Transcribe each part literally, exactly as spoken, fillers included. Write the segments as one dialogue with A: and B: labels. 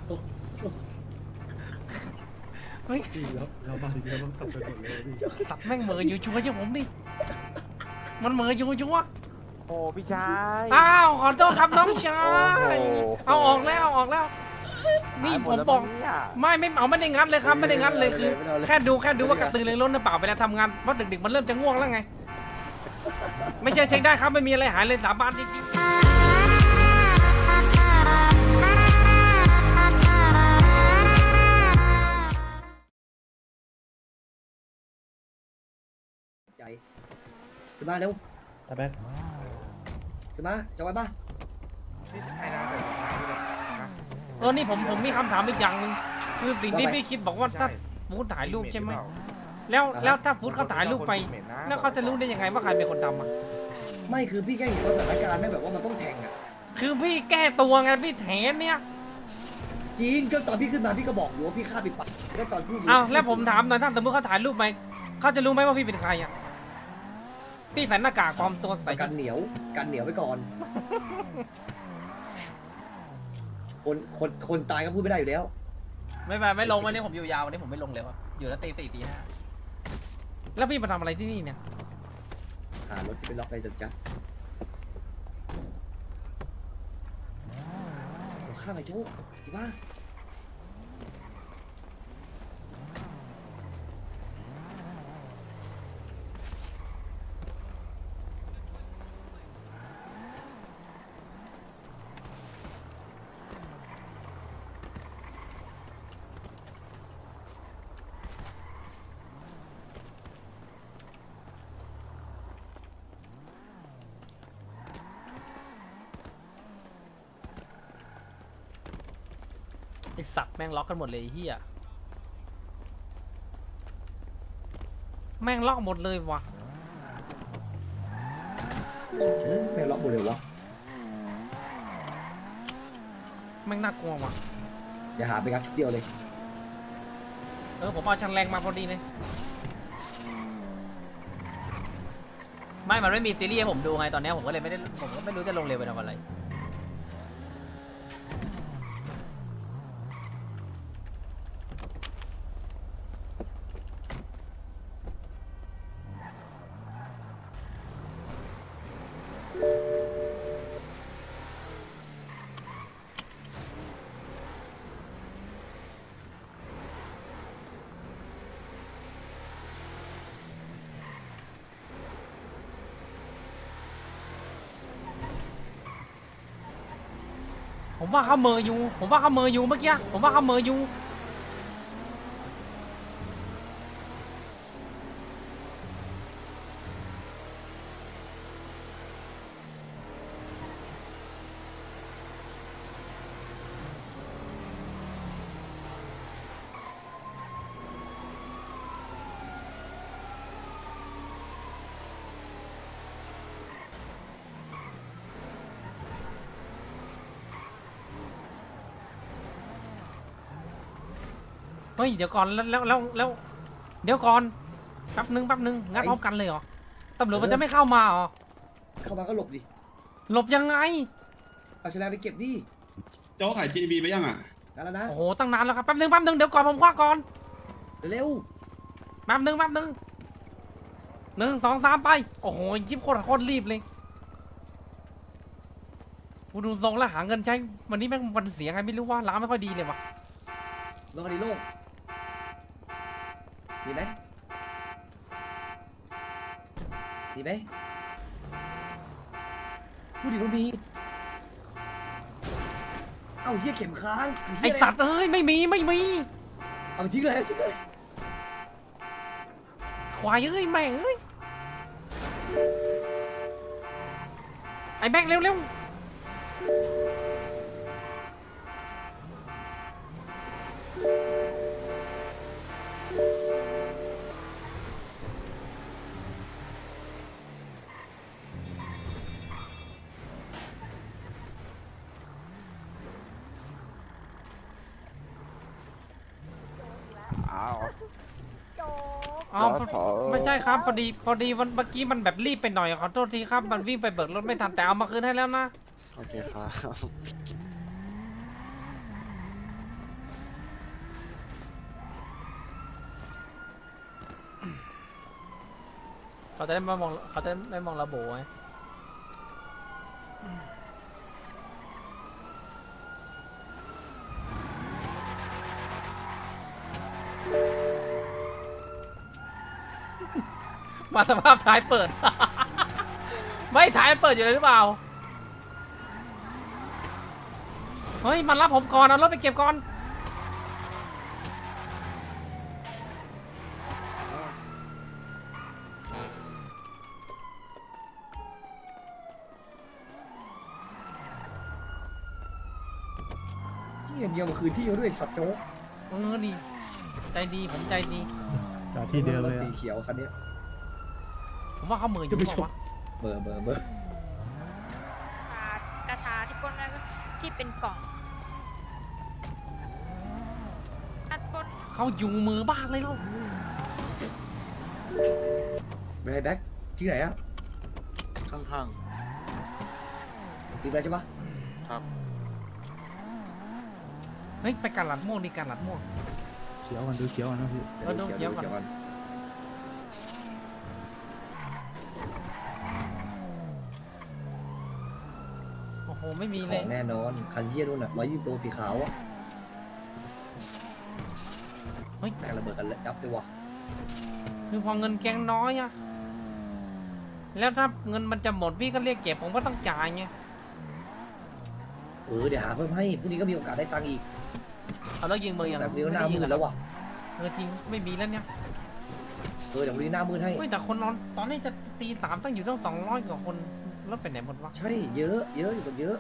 A: เฮ้ย
B: พี่แล้วเราบางทีเราต้องตัดไปหมดเลยพี่
A: ตัดแม่งเหม่ออยู่ชัวร์ใช่ผมดิมันเหม่ออยู่ชัวร์
C: โอ้พี่ชาย
A: อ้าวขอโทษครับน้องชาย
C: โอ้โห
A: เอาออกแล้วเอาออกแล้วนี่
C: หายห
A: ผม
C: ดแล้ว
A: บอก
C: เนี่ย
A: ไม่ไม่เอาไม่ได้งัดเลยครับไม่ได้งัดเลยคือ
C: ไม่เอาเลย
A: แค่ดูแค่ดูว่ากระตือรือร้นหรือเปล่าเวลาทำงานเพราะดึกๆมันเริ่มจะง่วงแล้วไง ไม่ใช่เช็คได้ครับไม่มีอะไรหายเลยสาบานจริงๆ
D: ใจขึ้นมาเร็ว
B: ตาแบ๊ก
D: ขึ้นมาจะไว้ป่ะ
A: เออนี่ผมผมมีคำถามอีกอย่างหนึ่งคือสิ่งที่พี่คิดบอกว่าถ้าฟูดถ่ายรูปใช่ไหมแล้วแล้วถ้าฟูดเขาถ่ายรูปไปแล้วเขาจะรู้ได้ยังไงว่าใครเป็นคนทำอ่ะ
D: ไม่คือพี่แค่เห็นสถานการณ์ไม่แบบว่ามันต้องแข่งอ่ะ
A: คือพี่แก้ตัวไงพี่แถนเนี่ย
D: จริงก็ตอนพี่ขึ้นมาพี่ก็บอกอยู่ว่าพี่ฆ่าปิดปากก็ตอนพี่
A: อ้าวแล้วผมถามหน่อยถ้าสมมติเขาถ่ายรูปไปเขาจะรู้ไหมว่าพี่เป็นใครอ่ะพี่ใส่หน้ากากปลอมตัวใส่
D: กันเหนียวกันเหนียวไว้ก่อน คนคนคนตายก็พูดไม่ได้อยู่แล้ว
A: ไม่ไม่ไม่ลงวันนี้ผมอยู่ยาววันนี้ผมไม่ลงเลยว่ะอยู่แล้วตีสี่ตีห้าแล้วพี่มาทำอะไรที่นี่เนี่ย
D: หารถที่เป็นล็อกในจัดจัดโอ้ฆ่าไปโจ้จริงป่ะ
A: ไอสัตว์แม่งล็อกกันหมดเลยไอ้เฮียแม่งล็อกหมดเลยว่ะ
D: เออแม่งล็อกหมดเลยวะ
A: แม่งน่ากลัวว่ะ
D: อย่าหาไปงัดชุดเดียวเลย
A: เออผมเอาชันแรงมาพอดีเลยไม่มันไม่มีซีรีส์ให้ผมดูไงตอนนี้ผมก็เลยไม่ได้ผมก็ไม่รู้จะลงเร็วไปทำอะไรผมว่าเขาเมออยู่ ผมว่าเขาเมออยู่เมื่อกี้ ผมว่าเขาเมออยู่เฮ้ยเดี๋ยวก่อนแล้วแล้วแล้วแล้วเดี๋ยวก่อนแป๊บนึงแป๊บนึงงัดพร้อมกันเลยเหรอตำรวจมันจะไม่เข้ามาเหรอ
D: เข้ามาก็หลบดิ
A: หลบยังไง
D: เอาชนะไปเก็บดิ
E: โจ๊กขาย จี ดี บี ไปยังอ่ะ
D: นั่นแล้วนะ
A: โอ้โหตั้งนานแล้วครับแป๊บนึงแป๊บนึงเดี๋ยวก่อนผมคว้าก่อน
D: เร็ว
A: แป๊บนึงแป๊บนึงหนึ่งสองสามไปโอ้โหยิบโคตรโคตรรีบเลยกูดูทรงแล้วหาเงินใช้วันนี้แม่งวันเสียไงไม่รู้ว่าร้านไม่ค่อยดีเลยว่ะ
D: ลงคดีโล่งมีไหมมีไหมพูดดิว่ามีเอ้าเหี้ยเข็มค้าง
A: ไอสัตว์เอ้ยไม่มีไม่มี
D: เอาไปทิ้งเลยเอาทิ้งเลย
A: ควายเอ้ยแม่งเอ้ยไอแบงค์เร็วเร็ว
C: อ้าว
A: อ๋อไม่ใช่ครับพอดีพอดีวันเมื่อกี้มันแบบรีบไปหน่อยขอโทษทีครับมันวิ่งไปเบิกรถไม่ทันแต่เอามาคืนให้แล้วนะ
C: โอเคครับ
A: เขาจะได้ไม่มองเขาจะไม่มองระโบไงมาสภาพท้ายเปิด ไม่ท้ายมันเปิดอยู่เลยหรือเปล่าเฮ้ยมันรับผมก่อนเอารถไปเก็บก่อน
D: ที่อย่างเดียวมาคืนที่เขาด้วยสัตว์โจ๊ก
A: เออดีใจดีผมใจดี
B: จอดที่เดิมเลย
D: สี
B: อะ
D: เขียวคันนี้
A: ผมว่าเขาเหมืออยู่เปล่าวะ
D: เบอร์เบอร์เบอร์
F: กระชาที่ปล้นได้ก็ที่เป็นกล่องอัดปล้น
A: เขาอยู่มือบ้านเลยแล้ว
D: ไม่ให้แบ็คที่ไหนอะ
C: ข้าง
D: ตีไปใช่ปะ
C: ๆครับ
A: เฮ้ยไปการหลัดม่วงดีการหลัดม่วง
B: เขียวกันดูเขียวกันนะพี่
A: เออดูเดี๋ยวก่อน
D: ก่อน
A: โอ้โหไม่มี
D: ข
A: เล
D: อย งแน่นอนคันเยี่ยนู่นน่ะร้อยยี่สิบโลสีขาวอะ
A: เฮ้ย
D: แม่งระเบิดกันแล้วจับด้วยวะ
A: คือพอเงินแกงน้อยอะแล้วถ้าเงินมันจะหมดพี่ก็เรียกเก็บผมก็ต้องจ่ายไง
D: เออเดี๋ยวหาเพิ่มให้พรุ่งนี้ก็มีโอกาสได้ตังค์อีก
A: เอาแล้วยิงมือยัง
D: แต่พรุ่งนี้ก็ห
A: ไม่
D: น้า
A: ได้ยิ
D: มื
A: ง
D: ดแล้ววะ
A: เออจริงไม่มีแล้วเนี่ย
D: เออเดี๋ยวพรุ่งนี้หน้ามืดให้
A: เฮ้ยแต่คนนอนตอนนี้จะตีสามตั้งอยู่ตั้งสองร้อยกว่าคนแล้วไปไหนหมดวะ
D: ใช่เยอะเยอะอยู่กันเยอะ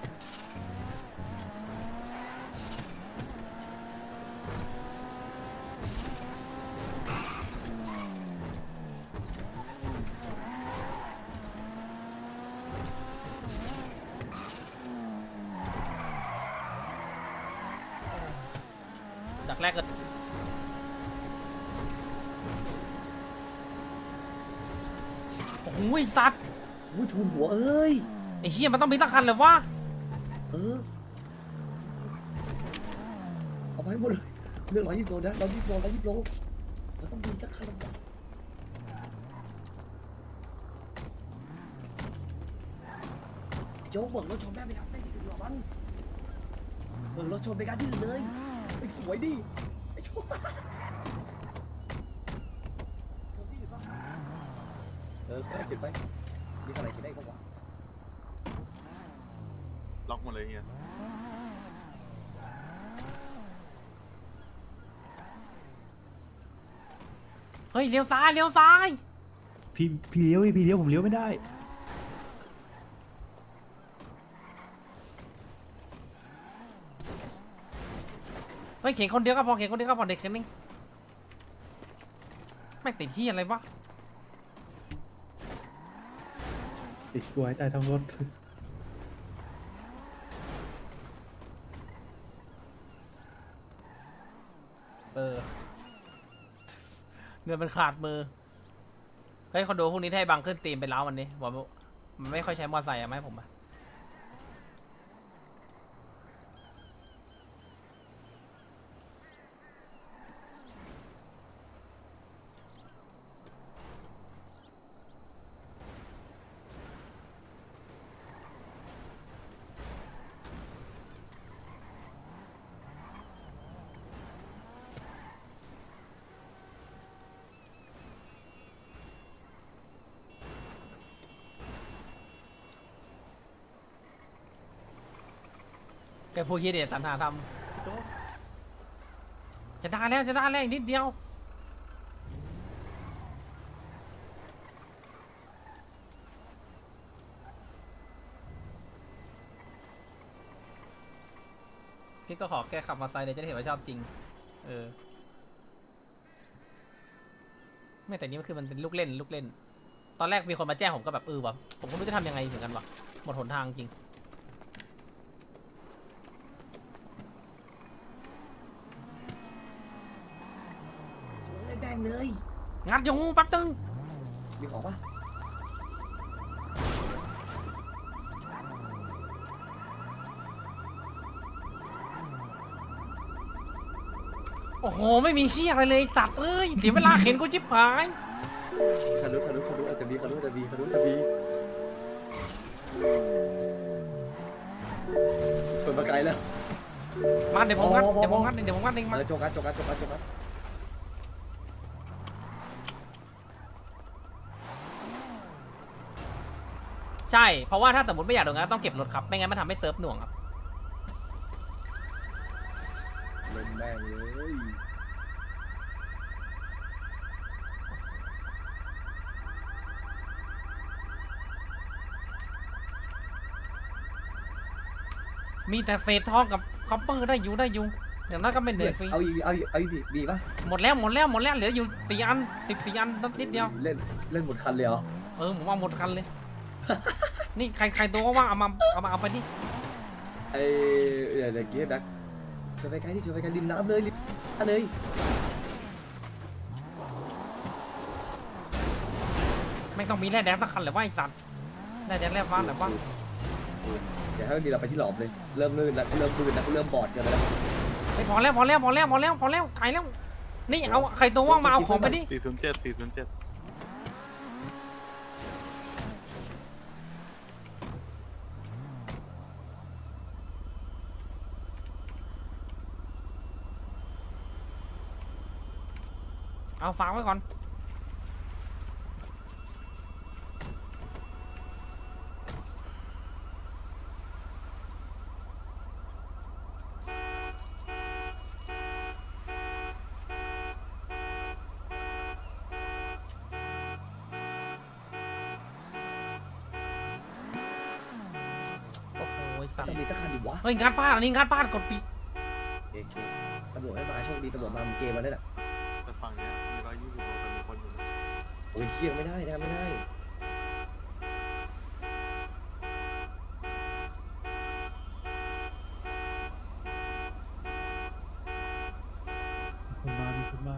A: ดักแรกก็โอ้โหสัตว์
D: อุ้ยทูนหัวเอ้ย
A: ไอ้เหี้ยมันต้องมีสักคันเลยวะ
D: เออเอาไปให้หมดเลยเรื่องร้อยยี่สิบโลนะร้อยยี่สิบโลร้อยยี่สิบโลมันต้องมีสักคันละโจ๊กเบิกรถชนแม่ไปทำไม่ดีกว่ามันเบิกรถชนไปกันที่อื่นเลยไอ้สวยดิไอ้โจ๊กเออเก็บไปมีอะไรกินได้ก็ว่า
C: ล็อกหมดเลยเฮีย
A: เฮ้ยเลี้ยวซ้ายเลี้ยวซ้าย
B: พี่พี่เลี้ยวพี่เลี้ยวผมเลี้ยวไม่ได้
A: เฮ้ยเข็นคนเดียวก็พอเข็นคนเดียวก็พอเด็กเข็นนึงไม่งติดที่อะไรวะ
B: ติดกลัวให้ตายทั้งรถ
A: เออเงินมันขาดมือเฮ้ยคอนโดพวกนี้ถ้าให้บังขึ้นตีมไปแล้ววันนี้บอกว่ามันไม่ค่อยใช้มอเตอร์ไซค์อะไหมาให้ผมอะ แกพูดเฮียเดชสรรหาทำจะได้แล้วจะได้แล้วอีกนิดเดียวพี่ก็ขอแกขับมอเตอร์ไซค์เลยจะได้เห็นว่าชอบจริงเออไม่แต่นี้มันคือมันเป็นลูกเล่นลูกเล่นตอนแรกมีคนมาแจ้งผมก็แบบเออวะผมก็ไม่รู้จะทำยังไงเหมือนกันวะหมดหนทางจริง
D: แบ่งเลย
A: งัดอยู่แป๊บนึง
D: มีของปะ
A: โอ้โหไม่มีเชี่ยอะไรเลยสัตว์เอ้ยเสียเวลาเข็นกูชิบหาย
D: คารุคารุคารุอาจจะมีคารุอาจจะมีคารุอาจจะมีชนมาไกลแล้ว
A: มาเดี๋ยวผมงัด
D: อ๋อ
A: เดี๋ยวผมงัดเดี๋ยวผมงัดเอง
D: มา
A: มา
D: เลยโจกัสโจกัสโจกัสโจกัส
A: ใช่เพราะว่าถ้าสมมติไม่อยากโดนงัดต้องเก็บรถครับไม่งั้นมันทำให้เซิร์ฟหน่วงครับ
D: เล่นแม่งเลย
A: มีแต่เศษทองกับคอปเปอร์ได้อยู่ได้อยู่อย่างนั้นก็ไม่เหนื่อยฟรี
D: เอาอีกเอาอีกเอาอีกดิดีป่ะ
A: หมดแล้วหมดแล้วหมดแล้วเหลืออยู่สี่อันสิบสี่อันนิดเดียว
D: เล่นเล่นหมดคันเลยเหรอ
A: เออผมเอาหมดกันเลย นี่ใครใครตัวว่างๆเอามาเอามาเอาไปดิ
D: ไอ้เดี๋ยวเดี๋ยวกี้แบ็คชนไปไกลที่ชนไปไกลริมน้ำเลยริมน้ำเลย
A: ไม่ต้องมีแร่แดงสักคันเลยว่าไอสัตว์แร่แดงแร่ฟ้าแต่ว่า
D: เดี๋ยวให้ดีเราไปที่หลอมเลยเริ่มลื่นแล้วเริ่มลื่นแล้วเริ่มบอดกันแล้ว
A: ไม่พอแล้วพอแล้วพอแล้วพอแล้วพอแล้วไข่แล้วนี่เอาใครตัวว่างมาเอาของไปดิ
C: สี่ศูนย์เจ็ดสี่ศูนย์เจ็ด
A: เอาฝากไว้ก่อนโอ้โหไอ้สัตว์
D: จะมีสักคันดิวะ
A: เฮ้ยงานบ้านอันนี้งานบ้านกดปิด
D: โอเคตำรวจไม่มาโชคดีตำรวจมาเกมมาได้แหละ
C: แต่ฝั่งเนี้ยมีร้อยยี่สิบโลแต่มีคนอยู่นะ
D: โอ้ยเที่ยงไม่ได้นะไม่ได้
B: คนมามีคนมา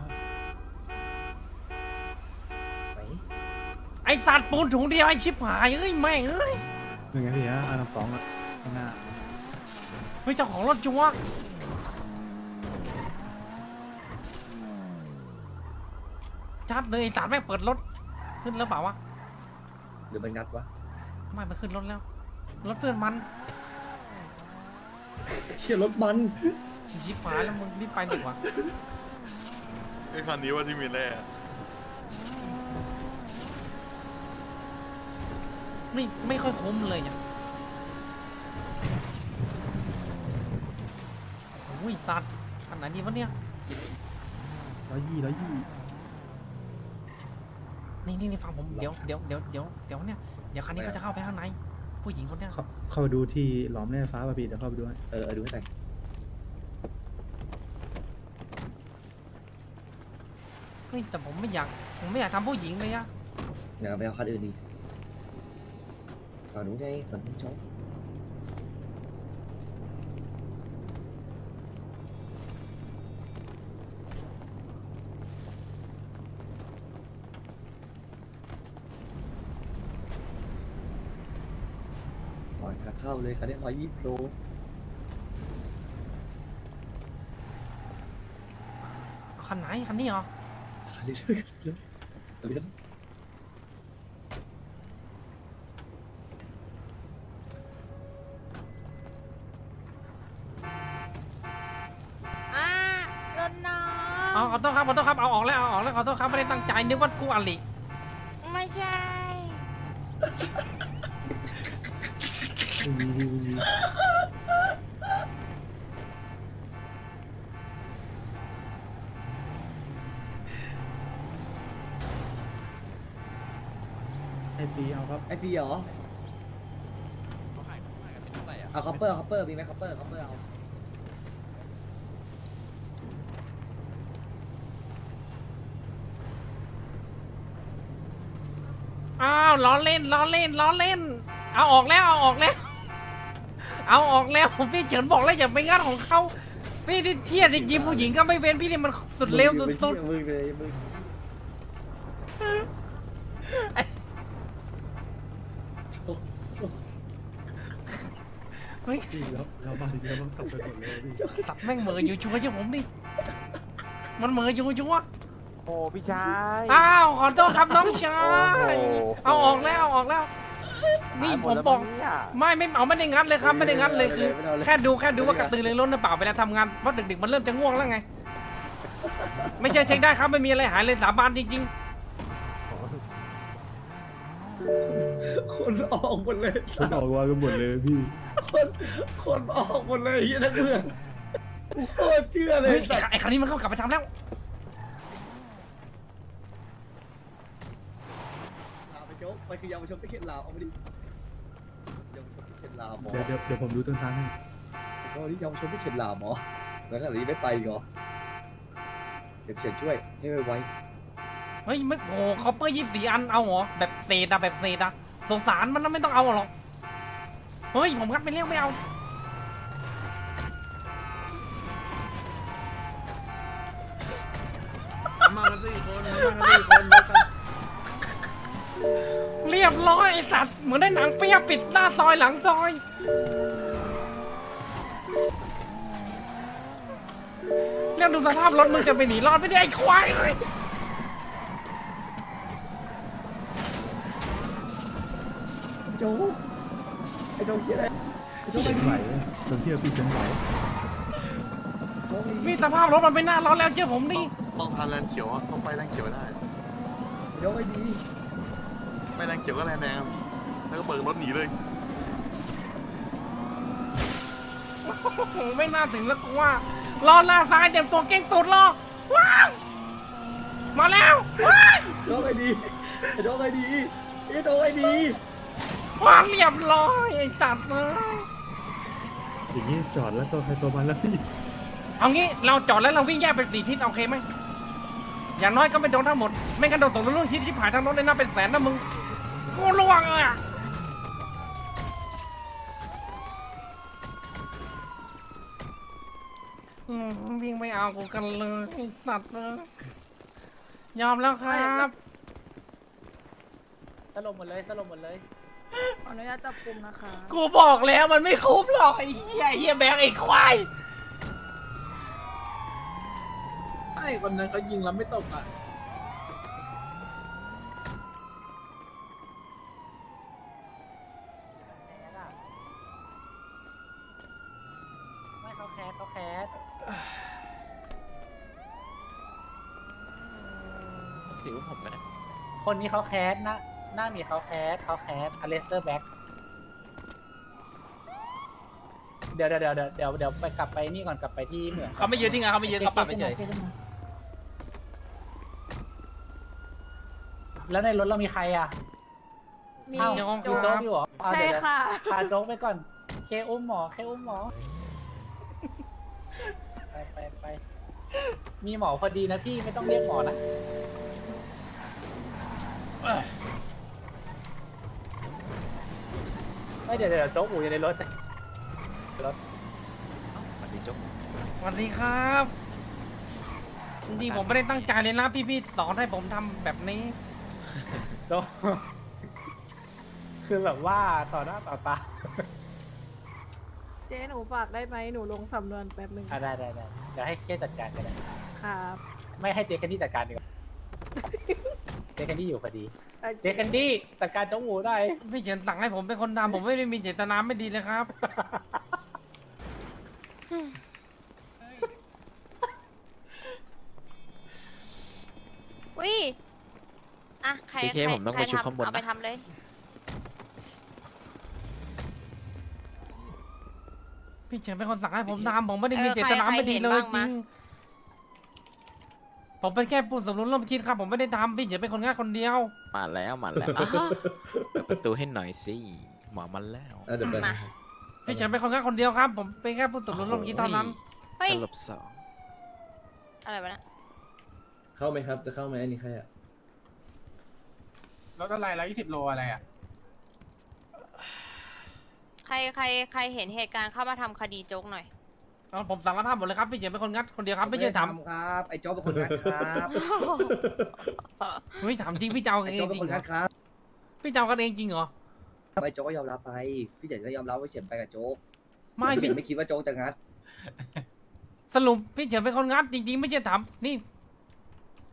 D: ไหน
A: ไอสัตว์ปูนถุงเดียวไอชิบหายเอ้ยแม่งเอ้ย
B: เป็นไงพี่ฮะอันดับสองอะข้างหน้า
A: เฮ้ยเจ้าของรถจัวชัดเลยไอสัตว์แม่งเปิดรถขึ้นแล้วเปล่าวะ
D: หรือมันงัดวะ
A: ไม่มาขึ้นรถแล้วรถเพื่อนมัน
D: เชี่ยรถมัน
A: ชิบหายแล้วมึงรีบไปดีกว่า
C: ไอ้คันนี้ว่าที่มีแร่
A: ไม่ไม่ค่อยคุ้มเลยเนี่ยโอ้ยสัตว์ขนาดนี้วะเนี่ย
B: ร้อยยี่ร้อยยี่
A: นี่นี่นี่ฟังผมเดี๋ยวเดี๋ยวเดี๋ยวเดี๋ยวเดี๋ยวเนี่ยเดี๋ยวคันนี้เขาจะเข้าไปข้างในผู้หญิงคนเนี้ย
B: เข้าเข้าไปดูที่หลอมแร่ฟ้าป่ะพี่เดี๋ยวเข้าไปดูให้
D: เออเออดูให้หน่อย
A: เฮ้ยแต่ผมไม่อยากผมไม่อยากทำผู้หญิงเลยอะ
D: เดี๋ยวไปเอาคันอื่นดีฝั่งนู้นไงฝั่งนู้นชอบ ปล่อยขาเข้าเลยคันนี้ร้อยยี่สิบโล
A: คันไหนคันนี้เหรอ
D: คันนี้ช่วยกันเลยคันนี้
F: อ่ารถน้อ
A: เอา
F: ง
A: ขอโทษครับขอโทษครับเอาออกแล้วเอาออกแล้วขอโทษครับไม่ได้ตั้งใจนึกว่ากูอลิ
F: ไม่ใช่
B: ไม่มีไม่มี ไอปีเอาครับ
D: ไอพีเหรอเอาคัพเปอร์คัพเปอร์มีไหมคัพเปอร์คัพเปอร์เอา
A: อ้าวล้อเล่นล้อเล่นล้อเล่น เอาออกแล้วเอาออกแล้ว เอาออกแล้วพี่เฉินบอกแล้วอย่าไปงัดของเขาพี่ที่เทียดจริงๆผู้หญิงก็ไม่เว้นพี่นี่มันสุดเร็วสุด
D: มือเลยมือ
A: ๆเฮ้ย
B: พี่แล้วเรามาถึงเราต้องตัดไปหมดเลยพี่
A: ตัดแม่งเหม่ออยู่ชัวร์ใช่ผมดิมันเหม่ออยู่ชัวร์
G: โอ้พี่ชาย
A: อ้าวขอโทษครับน้องชาย
G: โอ้โห
A: เอาออกแล้วเอาออกแล้ว นี่
G: หายห
A: ผม
G: ดแล้ว
A: บอก
G: เนี่ย
A: ไม่ไม่เอาไม่ได้งัดเลยครับไม่ได้งัดเลยคือ
D: ไม่เอาเลย
A: แค่ดูแค่ดูว่ากระตือรือร้นหรือเปล่าเวลาทำงานเพราะดึกๆมันเริ่มจะง่วงแล้วไง ไม่ใช่เช็คได้ครับไม่มีอะไรหายเลยสาบานจริง
D: คนออกหมดเลย
B: คนออกวากันหมดเลยพี่
D: คนคนออกหมดเลยเฮียทั้งเมืองโคตรเชื่อ
A: ๆ
D: เลย
A: เฮ้ย
D: สัตว์
A: ไอ้คันนี้มันเข้ากลับไปทำแล้ว
D: ลาไปโจ๊กไปคือยาวชมที่เขตลาวเอาไปดิยาวชมที่เขตลาวหมอ
B: เดี๋ยวเดี๋ยวเดี๋ยวผมดูต้นทางให้
D: ก็นี่ยาวชมที่เขตลาวหมอแล้วขนาดนี้ไม่ไปอีกเหรอเดี๋ยวเขียนช่วยให้ไว
A: เฮ้ยไม่โอ้คอปเปอร์ยี่สิบสี่อันเอาเหรอแบบเศษอะแบบเศษอะสงสารมันนะไม่ต้องเอาหรอกเฮ้ยผมงัดไปเรียกไม่เอาเรียบร้อยไอสัตว์เหมือนได้หนังเปียปิดหน้าซอยหลังซอยเรียกดูสภาพรถมึงจะไปหนีรอดไม่ได้ไอ้ควายเลย
D: ๆโจ๊กไอ้โจ๊กเขียนอะไรไอ้โจ๊ก
B: เขี
D: ไม่
B: ยน
D: ดี
B: ไหวตรงที่เราพี่เขียนไหว
D: โจ๊ก
A: มีสภาพรถมันไม่น่ารอดแล้วเชื่อผมดิ
C: ต้องทานแลนด์เขียวอะต้องไปแลนด์เขียวได้
D: โจ๊กไม่ดี
C: ไม่แลนด์เขียวก็แลนด์แดงอะแล้วก็เปิดรถหนีเลย
A: โอ้โหไม่น่าถึงแล้วกูว่ารอหน้าซ้ายเต็มตัวเก่งตูดรอว้าวมาแล้วว้าว
D: โจ๊กไม่ดีไอ้โจ๊กไม่ดีไอ้โจ๊กไม่ดี
A: ว้าวเรียบร้อยไอ้สัตว์เลย
B: อย่างนี้จอดแล้วก็ใครตัวมันแล้วพี่
A: เอางี้เราจอดแล้วเราวิ่งแยกเป็นสี่ทิศโอเคไหมอย่างน้อยก็ไม่โดนทั้งหมดไม่งั้นโดนตกรุ่นทิศที่ผ่านทางรถเลยน่าเป็นแสนนะมึงกูล่วงเลยอะอืมวิ่งไม่เอากูกันเลยไอ้สัตว์เลยยอมแล้วครับ
G: สลบหมดเลยสลบหมดเลย
F: ขออนุญาตจับกลุ่มนะคะ
A: กูบอกแล้วมันไม่คุ้มหรอกไอ้เหี้ยไอ้เหี้ยแบงค์ไอ้ควาย
H: ไอ้คนนั้นเขายิงแล้วไม่ตกอ่ะ
G: ไม่เขาแคสเขาแคสสิวผมไปนะคนนี้เขาแคสนะหน้ามีเขาแคสเขาแคสอเลสเตอร์แบ็กเดี๋ยวเดี๋ยวเดี๋ยวเดี๋ยวเดี๋ยวเดี๋ยวไปกลับไปนี่ก่อนกลับไปที่เหมือง
A: เขาไม่ยืนที่งานเขาไม่ยืนเขาปรับไปเฉย
G: แล้วในรถเรามีใครอ่ะ
F: มี
G: อ้าว
A: ยัง
G: มีโจ๊กอยู่เหรอเอา
F: ใช่
G: เดี๋ยว
F: ค่ะ
G: พาโจ๊กไปก่อน เคอุ้มหมอ เคอุ้มหมอ ไปไปไปมีหมอพอดีนะพี่ไม่ต้องเรียกหมอนะไม่เดี๋ยวเดี๋ยวโจ๊กอูอยู่ในรถรถ
A: สวัสดีครับจริงๆผมไม่ได้ตั้งใจเลยนะพี่ๆสอนให้ผมทำแบบนี้
G: โจ๊กคือแบบว่าต่อหน้าต่อตา
F: เจ๊หนูฝากได้ไหมหนูลงสำนวนแป๊บหนึ่ง
G: อ่ะได้ได้ได้เดี๋ยวให้เคจัดการก็ได้
F: ครับ
G: ไม่ให้เจแคนดี้จัดการดีกว่า เจแคนดี้อยู่พอดี
F: อ่ะ
G: เจแคนดี้จัดการโจ๊กอูได้
A: พี่เฉินสั่งให้ผมเป็นคนทำผมไม่ได้มีเจตนาไม่ดีเลยครับ
I: วิอ่ะ ใคร
J: เค
I: ใคร
J: ผมต้อง
I: ใคร
J: ไปชุบ
I: ทำ
J: ข้างบนนะ
I: เอาไปทำเลย
A: พี่เฉินเป็นคนสั่งให้ผมทำผมไม่ได้มี
I: เออ
A: เจตนา
I: ใคร
A: ไม่ดีเลย
I: ใครเห็นบ้าง
A: จริ
I: มะ
A: งผมเป็นแค่ผู้สมรู้ร่วมคิดครับผมไม่ได้ทำพี่เฉินเป็นคนง่ายคนเดียว
J: มาแล้วมาแล้ว
I: อ๋อ
J: เปิดประตูให้หน่อยสิหมอมันแล้ว
D: เออเดี๋ยวไป
I: มา
A: พี่เฉินเป็นคนง่ายคนเดียวครับ ผมเป็นแค่ผู้สมรู้ร่วมคิดเท่านั้น
I: เฮ้ย
J: สลบสอง
I: อะไรวะเนะ
D: เข้าไหมครับจะเข้าไหมอันนี้ใครอ่ะ
H: รถอะไรร้อยยี่สิบโลอะไรอ่ะ
I: ใครใครใครเห็นเหตุการณ์เข้ามาทำคดีโจ๊กหน่อย
A: เอาผมสารภาพหมดเลยครับพี่เฉินเป็นคนงัดคนเดียวครับไม่ใช่ท
D: ครับไอ้โจ๊กเป็นคนงัดครับ
A: ำเฮ้ยถามจริงพี่เจ้ากัน
D: ไอ้
A: เอ
D: โจ๊
A: ง
D: ก
A: จ
D: เป็น
A: ริง
D: คน
A: เหร
D: งั
A: อ
D: ดครับ
A: พี่เจ้ากันเองจริงเหรอ
D: ไอ้โจ๊กก็ยอมรับไปพี่เฉินก็ยอมรับว่าเฉินไปกับโจ๊ก
A: ไม่
D: พี่
A: พี่
D: ไม่คิดว่าโจ๊กจะงัด
A: สรุปพี่เฉินเป็นคนงัดจริงๆ ไม่ใช่ทำนี่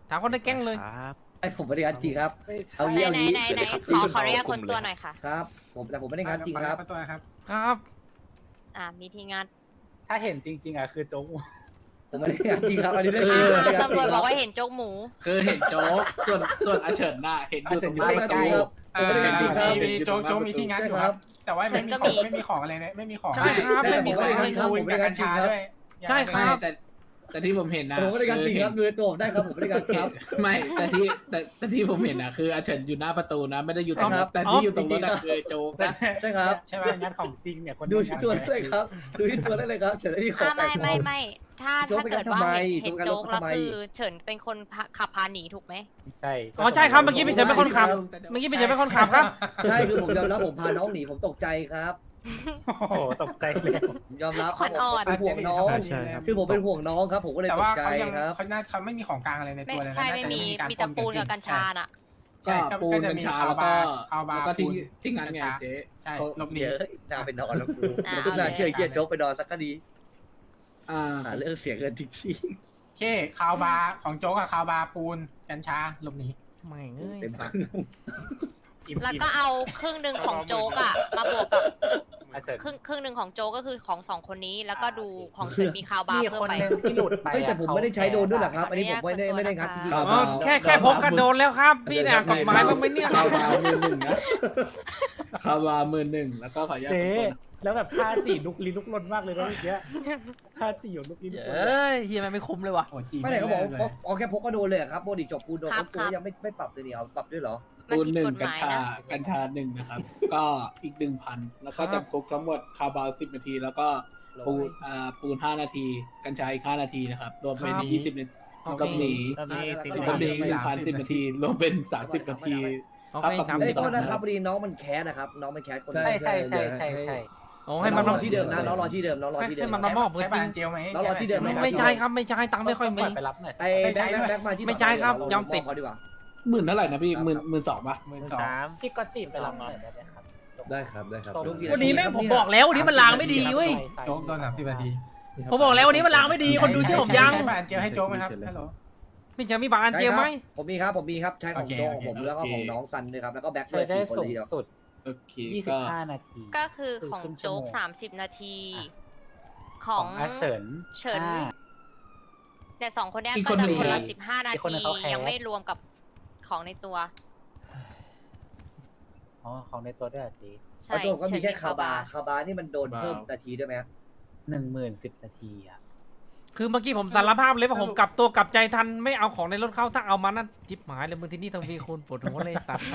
A: ถามคนในแก๊งเลย
J: ครับ
D: ไอผมไม่ได้งานจริงครับ เอา
I: ไหน
D: งี้เอา
I: ไหน
D: งี้
I: ไหนไหนขอขออนุญาตคนตัวหน่อยค่ะ
D: ครับ ผมแต่ผมไม่ได้งานจริงครับ
H: ตัวครับ
A: ครับ
I: อ่ามีทีงาน
G: ถ้าเห็นจริง ๆอ่ะคือโจ๊ก
D: ผมไม่ได้งานจริงครับอันนี้ได้
I: อ่า
D: ไม่ได้งานจริง
I: ตำรวจ
D: ค
I: บ
D: รั
I: อบ กว่าเห็นโจ๊กหมู
K: คือเห็นโจ๊กส่วนส่วนอาเฉินน่ะเห็นอยู่ตรงหน้าประตู
D: ผมไม่ได้งานจริงครับ
H: มีโจ๊กโจ๊กมีที่งานอยู่ครับ แต่ว่าไม่มีของไม่มีของอะไรเลยไม่มีของ
A: ใช่ครับไม่มีของ
H: ไม่มีปูนกับกัญชาด้วย
A: ใช่ค
K: ไม่
A: รับ
K: แต่แต่ที่ผมเห็นนะ
D: ผมไม่ได้งานจริงครับดูในตัวผมได้ครับผมไม่ได้งานครับ
K: ไม่แต่ที่แต่แต่ที่ผมเห็นนะคืออาเฉินอยู่หน้าประตูนะไม่ได้อยู่ตรง
D: ใช่ครับ
K: แต่ที่อยู่ตรงรถ
D: จริงๆครับ
K: อะคือโจ๊กนะ
D: ใช่ครับ
H: ใช่ไหม
G: งานของจริงเนี่ยคน
D: ดูที่ตัวได้เลยครับ ดูที่ตัวได้เลยครับเฉยที่ขอ
I: อ่า
D: แต่
I: ไม่
D: ง
I: ไม่ไม่ถ้า
D: โจ๊ก
I: ถ้า
D: ไป
I: เกิด
D: ทำ
I: ว่า
D: ไม
I: เห็น
D: โจ๊
I: เห็น
D: ก
I: โจ๊ก
D: ไป
I: แล้ว
D: ทำไม
I: คือเฉินเป็นคนพาขับพาหนีถูกไหม
G: ใช่
A: อ๋อใช่ครับเมื่อกี้พี่เฉินเป็นคนขับ เมื่อกี้พี่เฉินเป็นคนขับครับ
D: ใช่คือผมยอมรับผมพาน้องหนีผมตกใจครับ
G: โอ้โหตกใจเลย
D: ผมยอมรับครับผม
I: อ่อน
D: เป็นห่วงน้อง
B: ใช่ครับ
D: คือผมเป็นห่วงน้องครับ ผมก็เลย
H: แต่
D: ต
H: ว่าก
D: ใจ
H: เขายัง
D: ครับ
H: เขาน่าเขาไม่มีของกลางอะไรใน
I: ไม่
H: ตัวเลยนะ
I: ใช่ไม่มีมีแต่ปูนกับกัญชาน่ะ
K: ก็ปูนกัญชาแล้วก็แล้วก็ที่ที่งานไงเจ๊
H: ใช่
K: เขา
H: หลบหนี
D: เดี๋ยวน่าไปนอนแล้วกู
I: อ่า
D: กูน่าเชื่อไอ้เกียโจ๊กไปนอนสักก็ดี
K: อ่า
D: หาเรื่องเสียเงินจริง
H: โอเคคาวบาร์ของโจ๊กกับคาวบาร์ปูนกัญชาหลบหนี
A: ไม่เอ้
D: ๆ
A: ย
D: เต็ม
A: สัตว์
D: เครื่อง
I: แล้วก็เอาครึ่งหนึ่งของโจ๊กอะมาบวกกับ
G: อาเฉิน
I: ครึ่งครึ่งหนึ่งของโจ๊กก็คือของสองคนนี้ แล้วก็ดูของเฉินมีคาวบาร์
G: มี
I: เพิ่
G: ค
I: ม
G: น
I: ไป
G: หนึ่งที่หลุดไป
D: เฮ้ยแต่ผมไม่ได้ใช้โดนด้วยเหรอครับ อันนี้ผมไม่ได้ไม่ได้งัดจริงๆ
K: ครั
A: อ๋อบ แค่แค่พกกระโดนแล้วครับ พี่เนี่ยกฎหมายบ้างไหมเนี่ย
K: คาวบาร์มือหนึ่งนะคาวบาร์มือหนึ่งแล้วก็ขออนุญาต
G: เจ๊
K: ขอโทษนะ
G: แล้วแบบท่าจีลุกลี้ลุกลนมากเลยนะเมื่อกี้ท่าจีอยู่ลุกลี้ลุกลน
A: เอ้ยเฮียมันไม่คุ้มเลยว่ะ
H: โอ้จี
D: ไม่ไหนเขาบอกว่าเอาแค่พกก็โดนเลยอะครับโบดิจบปูนโดน
I: ครับ
D: ปูนยังไม่ไม่ปรับเลยนี่เอาปรับด้วยเหรอ
I: มัน
K: ปูน
I: ผิด
K: หนึ่ง
I: กฎห
K: กัญ
I: มาย
K: ชา
I: นะ
K: กัญชาหนึ่งนะครับ ก็อีกหนึ่งพันแล้วก็จำคุกทั้งหมดคาบาลสิบนาที แล้วก็ปูนอ่าปูนห้านาที กัญชาอีกห้านาทีนะครับรวมเป็น
A: ครับ
K: ยี่สิบนาที
A: โอเค
K: ก็หนี
G: ตอนนี้
K: ก็หนีหนึ่งพันสิบนาทีรวมเป็นสามสิบนาที
A: โอเค
K: ครับ
A: ทำ
D: ไอ้
A: ดี
D: ยโทษนะครับพอดีน้องมันแคสนะครับ น้องมันแคสคน
G: ใช่ใช่ใช่ใช่ใช่
A: โอ้
D: ให้
A: ให้
D: มั
A: มัน น
D: ร
A: ร
D: อ
A: อ
D: ที่เดิมนะน้องรอที่เดิมน้องรอที่เดิม
A: ให้มัน มอบเบอร์
H: ใช้
A: จริ
H: บาง นเจลไหม
D: แล้วรอที่เดิม
A: ไม่ไม่ใช่ครับไม่ใช่ตังค์ไม่ค่อยมี
G: ไปรับหน่อย
D: ไอ้แบ็คแบ็คแบ็คมาที่
A: ไม่ใช่ครับยอมติด
D: เขาดีกว่า
K: หมื่นเท่าไหร่นะพี่หมื่นหมื่นสองป่ะ
H: หมื่นสอง
G: สามพี่ก็จีบไปรับหน่อยได้ไหมครับ
B: ได้ครับได้ครับ
A: วันนี้แม่งผมบอกแล้ววันนี้มันลางไม่ดีเว้ย
H: โจ๊กโดนสามสิบนาที
A: ผมบอกแล้ววันนี้มันลางไม่ดีคนดูเชื่อผมยัง
H: ใช้บานเจลให้โจ๊กไหมครับฮัลโหล
A: พี่เฉินมีบัตรอันเจียวไหม
D: ผมมีครับผมมีครับใช้ของ
H: โอเค
D: โจ๊ก
H: โอเค
D: ผมแล้วก็ของน้องซันด้วยครับแล้วก็แบ็ค
G: เค
D: เลย ย
G: ได้
D: สี่คน
G: สู
D: เลย
G: ง
D: ทีเดียว
G: สุด
K: โอเค
G: ยี่สิ
K: ก็
G: บห้านาที
I: ก็คือของโจ๊กสามสิบนาที ของ
G: อาเฉิน
I: เฉิน
G: ห้า
I: เนี่ยสองคนเนี้ย
K: อีก
I: ก็
K: คนห
I: จะ
K: นึ่ง
I: คนละ
K: ใคร
I: สิบห้านา
G: อีกคนหนึ่
I: ที
G: งเขาแคส
I: ยังไม่รวมกับของในตัว
G: อ๋อของในตัวด้วยเหรอจี
I: ใช่
D: แล้วตัวก็มีแค่
I: เฉิน
D: คาบาร์คาบาร์นี่มันโดนเพิ่มนาทีด้วยไหมฮะ
G: หนึ่งหมื่นสิบนาทีอ่ะ
A: คือเมื่อกี้ผมสารภาพเลยว่าผมกลับตัวกลับใจทันไม่เอาของในรถเข้าถ้าเอามานั่นจิบหายเลยมึงที่นี่ต้องมีคุณปวดหัวเลยสัตว์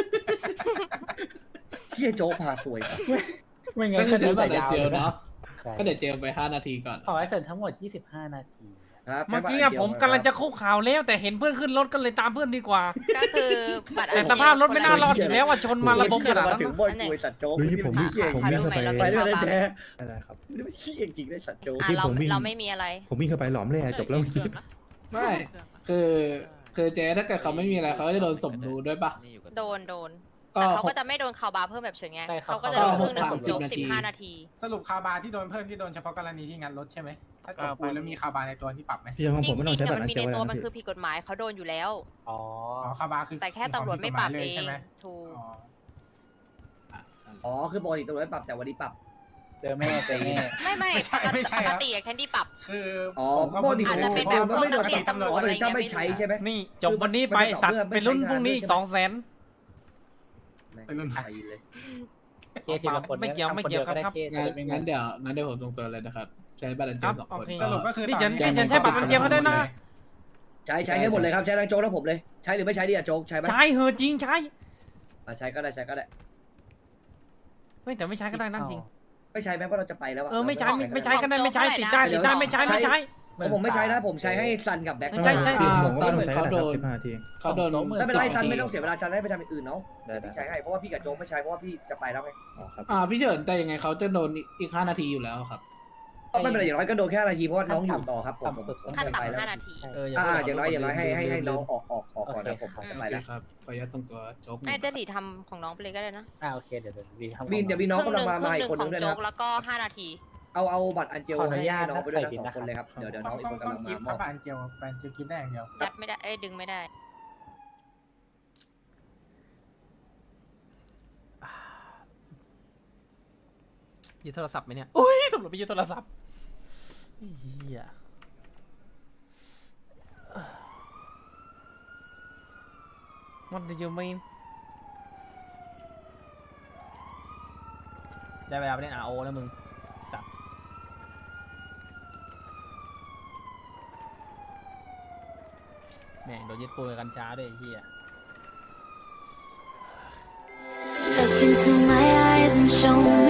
D: เชี่ยโจ๊กพาสวยครับ
G: ไม่งั้
K: ก็
G: น
K: คือใช้
G: จะ
K: บัตร
G: ยาว
K: เจล
G: เลยนะ
K: เนาะก็เดี๋ยวเจลไปห้านาทีก่อน
G: ของอาเฉินทั้งหมดยี่สิบห้านาที
D: ครับ
A: เมื่อกี้อะผมกำลังจะคุกข่าวแล้วแต่เห็นเพื่อนขึ้นรถก็เลยตามเพื่อนดีกว่า
I: ก็คือบัตร
A: แต่สภาพรถไม่น่ารอดอยู่แล้วว่าชนมาระบบขนาด
D: มา
A: นั้น
D: ถึง
A: นะ
D: บอยกวยสัตว์โจ๊ก
B: เฮ้ยผมมี
D: เก่ง
B: ผมมีเข้าไป
D: ไปด้วยนะแจ๊
B: ได้ครับ
D: นี่ไม่ขี้จริงๆเลยสัตว์โจ๊ก
I: อ่ะ
B: ที่
I: เรา
B: ผมวิ่ง
I: เราไม่มีอะไร
B: ผมวิ่งเข้าไปหลอมแร่จบแล้วเมื่อกี้
K: ไม่คือคือเจ๊ถ้าเกิดเขาไม่มีอะไรเขาก็จะโดนสมรู้ด้วยปะ
I: โดนโดน
K: ก็
I: แต่เขาก็จะไม่โดนข่าวบาร์เพิ่มแบบเฉินไง
G: ใช่ครับ
I: เขาก็จะโดนครึ่งหนึ่งของโจ๊ก
K: หกพันสิ
I: สิ
K: บบ นาที
I: ห้านาที
H: สรุปคาวบาร์ที่โดนเพิ่มที่โดนเฉพาะกรณีที่งัดรถใช่ไหมถ้าจบปูนแล้วมีคาวบาร์ในตัวที่ปรับไหม
B: พี่ของ
I: จ
B: ผมไม่ต้
I: ริ
B: อง
I: งๆ
B: ใช้
I: เนี่ย
B: บัตร
I: มัน
B: อัน
I: มี
B: เจ
I: ใน
B: ล
I: ตัว
B: นะ
I: มัน
B: พี่
I: คือผิดกฎหมายเขาโดนอยู่แล้ว
G: อ๋อ
H: อ๋อคาวบาร์คือ
I: แต่แค่ตำรวจไม่ปรับเอง
H: ใช่ไหม
I: ถูก
H: อ๋อ
D: อ๋อคือปกติตำรวจไม่ปรับแต่วันนี้ปรับ
G: เจอแม่เจอแม่
I: ไม่ไม่
H: ไม่ใช่ไม่ใช่
I: ป
H: ค
I: ก
H: รับ
I: ติอะแคนดี้ปรับ
H: คือ
D: อ๋อ
H: ผมก็
D: ปกติ
I: อาจจะเป็น
D: ผ
I: แบบ
D: มก็ไม่โดน
I: พวกนักเรียนตำรวจ
D: อ๋อ
I: อะไร
D: แต่ถ้าไม่
I: เงี้ย
D: ใช้ใช่ไหม
A: นี่จบวันนี้ไปสัตว์ไปรุ่นพรุ่งนี้อีกสองแสน
D: ไปรุ่นไปเลย
G: เคสทีละคน
A: ไม่เกี่ยวไม่เกี่ยวครับ
G: ทำนดีได้เคส
K: งั้น
G: ไม่
K: งั้นเดี๋ยวงั้นเดี๋ยวผมส่งตัวเลยนะครับ ใช้บัตรอันเจ
A: ครั
K: ล
A: บ
K: สอง
A: โอ
K: คน
A: เค
H: สรุปก็คือ
A: พี่
H: ต
A: เฉิ
H: อน
A: น
H: นี้
A: พี่เฉินใช้บัตรอันเจียวเขาได้นะ
D: ใช้ใช้ให้หมดเลยครับใช้ทั้งโจ๊กทั้งผมเลยใช้หรือไม่ใช้ดีอะโจ๊กใช้ไหม
A: ใช้เหอะจริงใช้
D: อ่ะใช้ก็ได้ใช้ก็ได้
A: ไม่แต่ไม่ใช้ก็ได้นั่นจริง
D: ไม่ใช้แม้เพราะเราจะไปแล้วะ
A: เออไม่ใช้ไม่
D: เรา
A: ไม่ใช้ก็ได้ไม่ใช้ติดได้ติดได้ไม่ใช้ไม่ใช้
D: ของผมไม่ใช้นะผมใช้ให้ซันกับแบ็ค
A: ใช่ใช่
B: พี่
K: อ่า
B: ผมก็
K: ซัน
B: ไม่ต้องใช้
K: เขา
B: นะ
K: โด
B: ครับ
K: น
B: สิบห้าที
K: เขาโดน
D: ไม่เป็นไรซัน
K: สองที
D: ไม่ต้องเสียเวลาซันให้ไปทำอย่างอื่นเนาะ
B: ได้ได้
D: พี่ใช้ให้เพราะว่าพี่กับโจ๊กไม่ใช้เพราะว่าพี่จะไปแล้วไง
B: อ๋อครับ
K: อ่าพี่เฉินแต่ยังไงเขาจะโดนอีกห้านาทีอยู่แล้วครับ
D: ก็ไม่เป็นไรอย่างน้อยก็โดนแค่นาทีเพราะว่าน้องอยู่ต่อครับผมผมผม
I: ขั้น
D: จะไปแล้ว
I: ต่ำห้านาที
A: เออ
D: อ่าอย่างน้อยอย่างน้อยให้ให้ให้น้องออกออกออกก่อนนะผม
G: โอเค
D: จะ
K: โอ
D: ไป
K: เค
D: แล้ว
K: ครับขออนุญาตส่งตัวโจ๊กหนึ่ง
I: ให้เจหลีทำของน้องไปเลยก็ได้นะ
G: อ่าโอเคเดี๋ยวเดี๋ยวดีทำ
D: วินเดี๋ยวมีน้อง
I: ครึ่ง
D: กำ
I: ห
D: ลัง
I: นึ่ง
D: มา
I: ครึ่
D: มาง
I: ห
D: อี
I: นึ่
D: ก
I: ง
D: คน
I: ข
D: นึ
I: อง
D: งด้วย
I: โจ๊
D: นะ
I: กแล้วก็ห้านาที
D: เอาเอาบัตรอันเจล
G: ขออนุ
D: ให้
G: ญาต
D: น้องไปด้วยนะ
G: นะ
D: สองคนเลยครับ
G: ใส่บินนะครับ
D: เดี๋ยวเดี๋ยว
H: ต้
D: น้
H: อ
D: อง งอีก
H: ต้อง
D: คน
H: ต้อง
D: กำลัง
H: กิ
D: มา
H: ฟต์
D: ม
H: ถ้า
D: อบ
H: บานเกียวบานเกียวกิฟต์ได้อย่างเดียว
I: ยัดไม่ได้ เอ้ยดึงไม่ได้
A: ยึดโทรศัพท์ไหมเนี่ยอุ้ยตำรวจไปยึดโทรศัพท์เฮีย What do you mean ได้เวลาไปเล่น อาร์ โอ แล้วมึงสัตว์แม่งโดนยึดปืนกับกัญชาด้วยไอ้เฮีย
L: Look into my eyes and show me